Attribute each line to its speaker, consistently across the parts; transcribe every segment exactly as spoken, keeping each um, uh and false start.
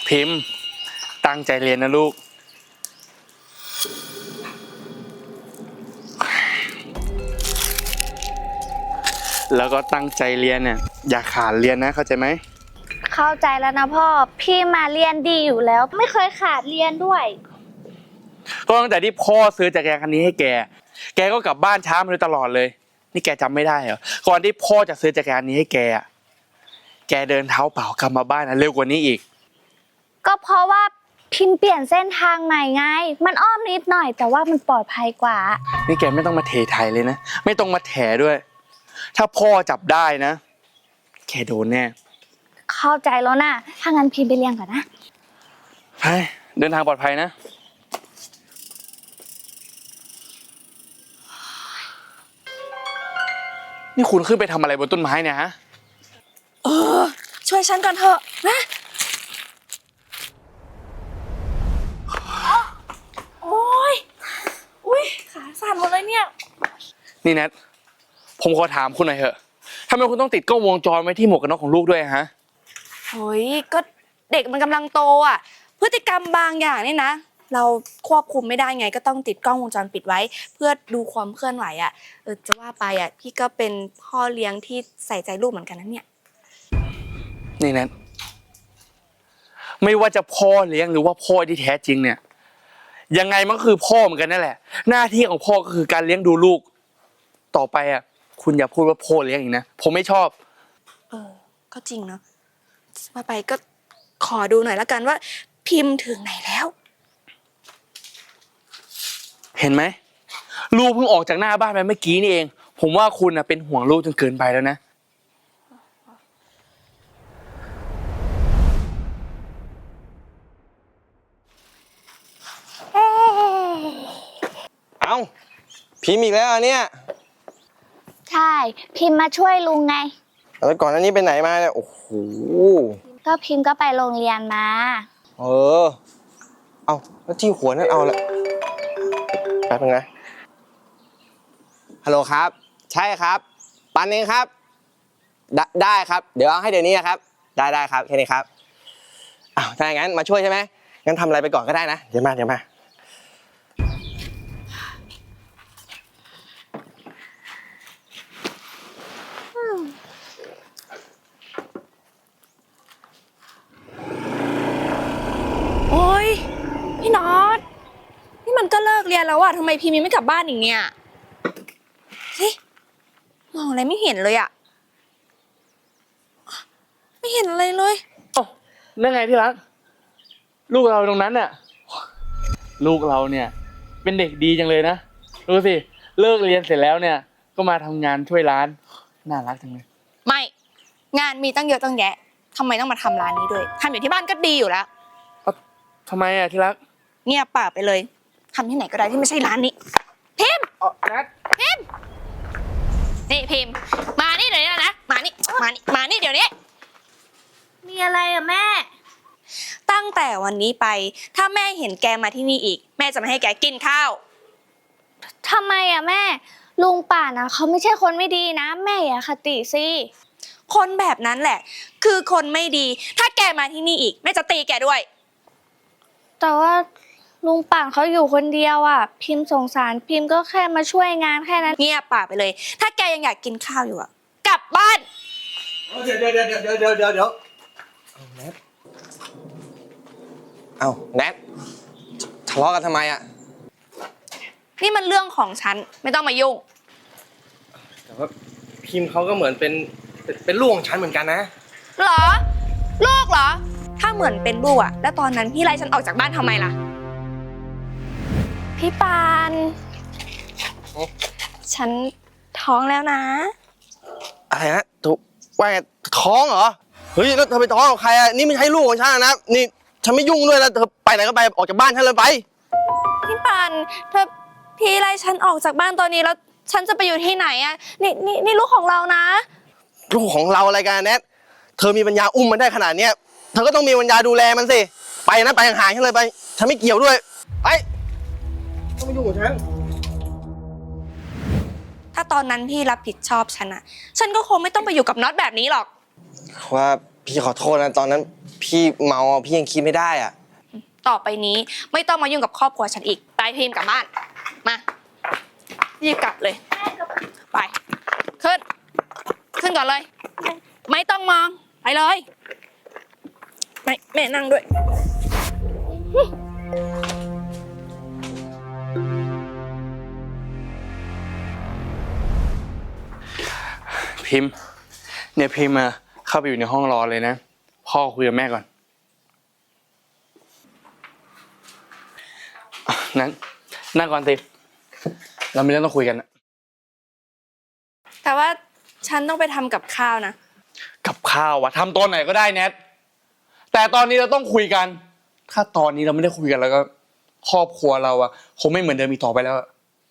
Speaker 1: พิมพ์ตั้งใจเรียนนะลูกแล้วก็ตั้งใจเรียนเนี่ยอย่าขาดเรียนนะเข้าใจไหม
Speaker 2: เข้าใจแล้วนะพ่อพี่มาเรียนดีอยู่แล้วไม่เคยขาดเรียนด้วย
Speaker 1: ก็ตั้งแต่ที่พ่อซื้อจักรยานคันนี้ให้แกแกก็กลับบ้านช้ามาโดยตลอดเลยนี่แกจำไม่ได้เหรอก่อนที่พ่อจะซื้อจักรยานนี้ให้แกแกเดินเท้าเปล่ากลับมาบ้านนะเร็วกว่านี้อีก
Speaker 2: ก็เพราะว่าพิมพ์เปลี่ยนเส้นทางใหม่ไงมันอ้อมนิดหน่อยแต่ว่ามันปลอดภัยกว่า
Speaker 1: นี่แกไม่ต้องมาเทไทยเลยนะไม่ต้องมาแถด้วยถ้าพ่อจับได้นะแกโดนแน่
Speaker 2: เข้าใจแล้วนะถ้างั้นพิมพ์ไปเรียนก่อนนะ
Speaker 1: ไปเดินทางปลอดภัยนะนี่คุณขึ้นไปทำอะไรบนต้นไม้เนี่ยฮะ
Speaker 3: เออช่วยฉันก่อนเถอะนะโอ้ยอุ้ยขาสั่นหมดเลยเนี่ย
Speaker 1: นี่แนทผมขอถามคุณหน่อยเถอะทำไมคุณต้องติดกล้องวงจรไว้ที่หมวกกันน็อกของลูกด้วยฮะ
Speaker 3: เฮ้ยก็เด็กมันกำลังโตอ่ะพฤติกรรมบางอย่างนี่นะเราควบคุมไม่ได้ไงก็ต้องติดกล้องวงจรปิดไว้เพื่อดูความเคลื่อนไหวอ่ะเออจะว่าไปอ่ะพี่ก็เป็นพ่อเลี้ยงที่ใส่ใจลูกเหมือนกันนะเนี่ย
Speaker 1: นี่แนทไม่ว่าจะพ่อเลี้ยงหรือว่าพ่อที่แท้จริงเนี่ยยังไงมันก็คือพ่อเหมือนกันนั่นแหละหน้าที่ของพ่อก็คือการเลี้ยงดูลูกต่อไปอ่ะคุณอย่าพูดว่าพ่อเลี้ยงอีกนะผมไม่ชอบ
Speaker 3: เออก็จริงเนาะว่าไปก็ขอดูหน่อยละกันว่าพิมพ์ถึงไหนแล้ว
Speaker 1: เห็นไหมลูกเพิ่งออกจากหน้าบ้านไปเมื่อกี้นี่เองผมว่าคุณน่ะเป็นห่วงลูกจนเกินไปแล้วนะ
Speaker 4: เอ้าพิมพ์อีกแล้วเนี่ย
Speaker 2: ใช่พิมพ์มาช่วยลุงไง
Speaker 4: แล้วก่อนหน้านี้ไปไหนมาเนี่ยโอ้โห
Speaker 2: ก็พิมพ์ก็ไปโรงเรียนมา
Speaker 4: เออเอาแล้วที่หัวนั่นเอาละแป๊บนึงนะฮัลโหลครับใช่ครับปันเองครับได้ได้ครับเดี๋ยวเอาให้เดี๋ยวนี้ครับได้ได้ครับแค่นี้ครับอ้าวถ้าอย่างนั้นมาช่วยใช่ไหมงั้นทำอะไรไปก่อนก็ได้นะเดี๋ยวมาเดี๋ยวมา
Speaker 3: โอ้ยพี่น็อตนี่มันก็เลิกเรียนแล้วอะทำไมพิมพ์ยังไม่กลับบ้านอีกเนี่ยเฮ้ยมองอะไรไม่เห็นเลยอะไม่เห็นอะไรเลย
Speaker 1: โอ้นั่นไงที่รักลูกเราตรงนั้นน่ะลูกเราเนี่ยเป็นเด็กดีจังเลยนะดูสิเลิกเรียนเสร็จแล้วเนี่ยก็มาทำงานช่วยร้านน่ารักจังเลย
Speaker 3: ไม่งานมีตั้งเยอะตั้งแยะทำไมต้องมาทำร้านนี้ด้วยทำอยู่ที่บ้านก็ดีอยู่แล้ว
Speaker 1: ทำไมอะที่รัก
Speaker 3: เงียบปากไปเลยทำที่ไหนก็ได้ที่ไม่ใช่ร้านนี้พิมพ์
Speaker 1: อ๋อนัท
Speaker 3: พิมพ์นี่พิมพ์มานี่เดี๋ยวนี้นะมานี่มานี่มานี่เดี๋ยวนี้
Speaker 2: มีอะไรอะแม่
Speaker 3: ตั้งแต่วันนี้ไปถ้าแม่เห็นแกมาที่นี่อีกแม่จะไม่ให้แกกินข้าว
Speaker 2: ทำไมอะแม่ลุงป่านะเขาไม่ใช่คนไม่ดีนะแม่อย่าคติสิ
Speaker 3: คนแบบนั้นแหละคือคนไม่ดีถ้าแกมาที่นี่อีกแม่จะตีแกด้วย
Speaker 2: แต่ว่าลุงป่านเขาอยู่คนเดียวอ่ะพิมพ์สงสารพิมพ์ก็แค่มาช่วยงานแค่นั้น
Speaker 3: เงียบปากไปเลยถ้าแกยังอยากกินข้าวอยู่อ่ะกลับบ้าน
Speaker 4: เดี๋ยวเดี๋ยวเดี๋ยวเดี๋ยวเดี๋ยวเดี๋ยวเดี๋ยวเอาแนทเอาแนททะเลาะกันทำไมอ่ะ
Speaker 3: นี่มันเรื่องของฉันไม่ต้องมายุ่ง
Speaker 4: แต่ว่าพิมพ์เขาก็เหมือนเป็นเป็นลูกของฉันเหมือนกันนะ
Speaker 3: เหรอลูกเหรอถ้าเหมือนเป็นลูกอะแล้วตอนนั้นพี่ไล่ฉันออกจากบ้านทำไมล่ะพี่ปานฉันท้องแล้วนะ
Speaker 4: อะไรนะถูกว่าไงท้องเหรอเฮ้ยแล้วเธอไปท้องกับใครอะนี่ไม่ใช่ลูกของฉันนะนี่ฉันไม่ยุ่งด้วยแล้วเธอไปไหนก็ไปออกจากบ้านฉันเลยไป
Speaker 3: พี่ปานเธอพี่ไล่ฉันออกจากบ้านตอนนี้แล้วฉันจะไปอยู่ที่ไหนอะนี่นี่นี่ลูกของเรานะ
Speaker 4: ลูกของเราอะไรกันแนทเธอมีปัญญาอุ้มมันได้ขนาดเนี้ยเธอก็ต้องมีปัญญาดูแลมันสิไปนะไปห่างๆฉันเลยไปฉันไม่เกี่ยวด้วยไปต้องมายุ่งกับฉัน
Speaker 3: ถ้าตอนนั้นพี่รับผิดชอบฉันอะฉันก็คงไม่ต้องไปอยู่กับน็อตแบบนี้หรอก
Speaker 4: ว่าพี่ขอโทษนะตอนนั้นพี่เมาอ่ะพี่ยังคิดไม่ได้อ่ะ
Speaker 3: ต่อไปนี้ไม่ต้องมายุ่งกับครอบครัวฉันอีกไปพิมพ์กลับบ้านมารีบกลับเลยไปขึ้นขึ้นก่อนเลย ไม่ต้องมองไปเลยไม่แม่นั่งด้วย
Speaker 1: พิมพ์เนี่ยพิมพ์มาเข้าไปอยู่ในห้องรอเลยนะพ่อคุยกับแม่ก่อนอ่ะนั้นนั่งก่อนสิเรามีเรื่องต้องคุยกันนะ
Speaker 3: แต่ว่าฉันต้องไปทำกับข้าวนะ
Speaker 1: กับข้าววะทำตอนไหนก็ได้แนทแต่ตอนนี้เราต้องคุยกัน ถ้าตอนนี้เราไม่ได้คุยกันแล้วก็ ครอบครัวเราอะคงไม่เหมือนเดิมอีกต่อไปแล้ว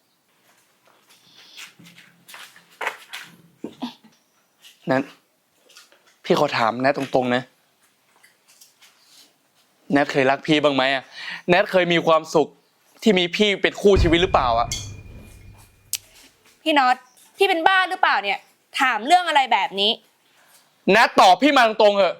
Speaker 1: แนทพี่ขอถามแนทตรงๆนะแนทเคยรักพี่บ้างไหมอะแนทเคยมีความสุขที่มีพี่เป็นคู่ชีวิตหรือเปล่าอะ
Speaker 3: พี่น็อตพี่เป็นบ้าหรือเปล่าเนี่ยถามเรื่องอะไรแบบนี้
Speaker 1: แนทตอบพี่มาตรงๆเถอะ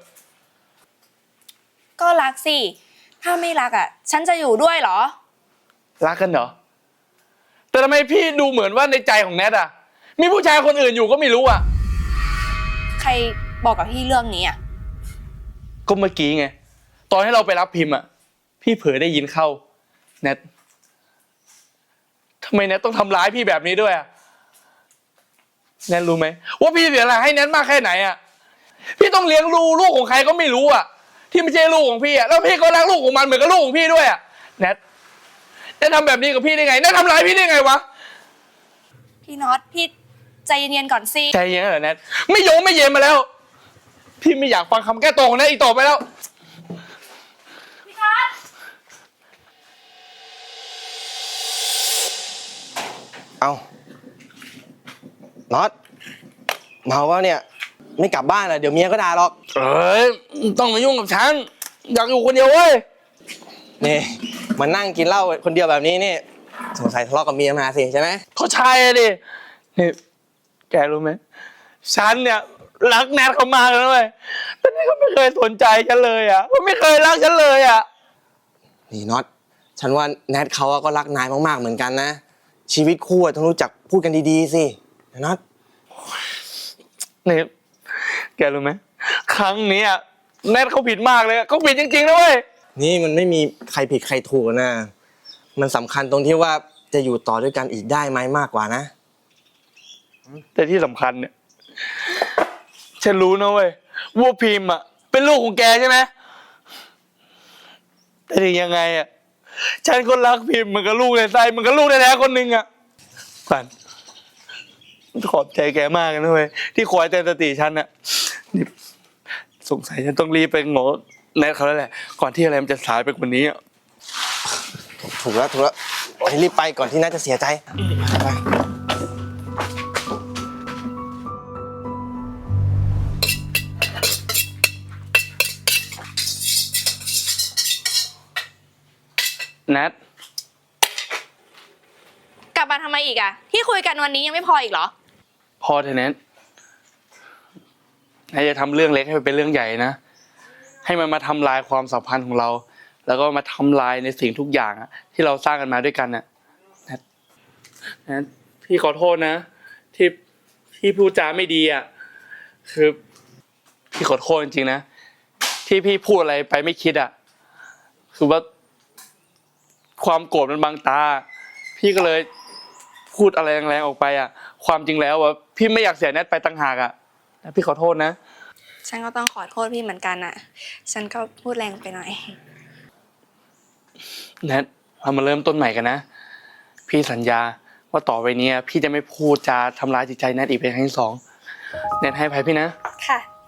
Speaker 3: ก็รักสิถ้าไม่รักอ่ะฉันจะอยู่ด้วยเหรอ
Speaker 1: รักกันเหรอแต่ทำไมพี่ดูเหมือนว่าในใจของแนทอะมีผู้ชายคนอื่นอยู่ก็ไม่รู้อะ
Speaker 3: ใครบอกกับพี่เรื่องนี้อ่ะ
Speaker 1: ก็เมื่อกี้ไงตอนให้เราไปรับพิมพ์อะพี่เผลอได้ยินเข้าแนททำไมแนทต้องทำร้ายพี่แบบนี้ด้วยอะแนทรู้ไหมว่าพี่เสียหลักให้แนทมากแค่ไหนอะพี่ต้องเลี้ยงดูลูกของใครก็ไม่รู้อะที่ไม่ใช่ลูกของพี่อะแล้วพี่ก็รักลูกของมันเหมือนกับลูกของพี่ด้วยอะแนทแนททำแบบนี้กับพี่ได้ไงแนททำร้ายพี่ได้ไงวะ
Speaker 3: พี่น็อตพี่ใจเย็นๆก่อนสิ
Speaker 1: ใจเย็นเหรอแนทไม่โยงไม่เย็นมาแล้วพี่ไม่อยากฟังคำแก้ตัวของแนทอีกต่อไปแล้ว
Speaker 4: เอาน็อตเมาวะเนี่ยไม่กลับบ้านอ่ะเดี๋ยวเมียก็ด่าหรอก
Speaker 1: เอ้ยต้องมายุ่งกับฉันอยากอยู่คนเดียวเว้ย
Speaker 4: นี่มานั่งกินเหล้าคนเดียวแบบนี้นี่สงสัยทะเลาะกับเมียมาสิใช่ไหม
Speaker 1: เขาใช่ดินี่แกรู้ไหมฉันเนี่ยรักแนทเขามากเลยนะเว้ยแต่นี่เขาไม่เคยสนใจฉันเลยอ่ะเขาไม่เคยรักฉันเลยอ่ะ
Speaker 4: นี่น็อตฉันว่าแนทเขาก็รักนายมากๆเหมือนกันนะชีวิตคู่อะต้องรู้จักพูดกันดีๆสินะน็อต
Speaker 1: นี่แกรู้ไหมครั้งนี้อะแนทเขาผิดมากเลยอะเขาผิดจริงๆนะเว้ย
Speaker 4: นี่มันไม่มีใครผิดใครถูกนะ มันสำคัญตรงที่ว่าจะอยู่ต่อด้วยกันอีกได้ไหมมากกว่านะ
Speaker 1: แต่ที่สำคัญเนี่ยฉันรู้นะเว้ยว่าพิมพ์อะเป็นลูกของแกใช่ไหมแต่ถึงยังไงอะฉันก็รักพิมพ์เหมันกับลูกในไส้เหมันกับลูกแท้ๆคนหนึ่งอะขวัญขอบใจแกมากนะเว้ยที่คอยเตือนสติฉันอะนี่สงสัยฉันต้องรีบไปโง่แนทเขาแล้วแหละก่อนที่อะไรมันจะสายไปกว่านี้อะ
Speaker 4: ถูกแล้วถูกแล้วให้รีบไปก่อนที่น่าจะเสียใจไป
Speaker 1: แนท
Speaker 3: กลับมาทำไมอีกอ่ะที่คุยกันวันนี้ยังไม่พออีกเหรอ
Speaker 1: พอเถอะแนทนายจะทำเรื่องเล็กให้มันเป็นเรื่องใหญ่นะให้มันมาทำลายความสัมพันธ์ของเรา แล้วก็มาทำลายในสิ่งทุกอย่างอะที่เราสร้างกันมาด้วยกันน่ะแนทแนทพี่ขอโทษนะ ที่พี่พูดจาไม่ดีอ่ะคือพี่ขอโทษจริงๆนะที่พี่พูดอะไรไปไม่คิดอ่ะคือว่าความโกรธมันบังตา พี่ก็เลยพูดอะไรแรงๆออกไปอ่ะความจริงแล้วอ่ะพี่ไม่อยากเสียแนทไปต่างหากอ่ะพี่ขอโทษนะ
Speaker 3: ฉันก็ต้องขอโทษพี่เหมือนกันอ่ะ ฉันก็พูดแรงไปหน่อย
Speaker 1: แนทเรามาเริ่มต้นใหม่กันนะพี่สัญญาว่าต่อไปนี้พี่จะไม่พูดจาทำร้ายจิตใจแนทอีกเป็นครั้งที่สองแนทให้อภัยพี่นะ
Speaker 3: ค่ะ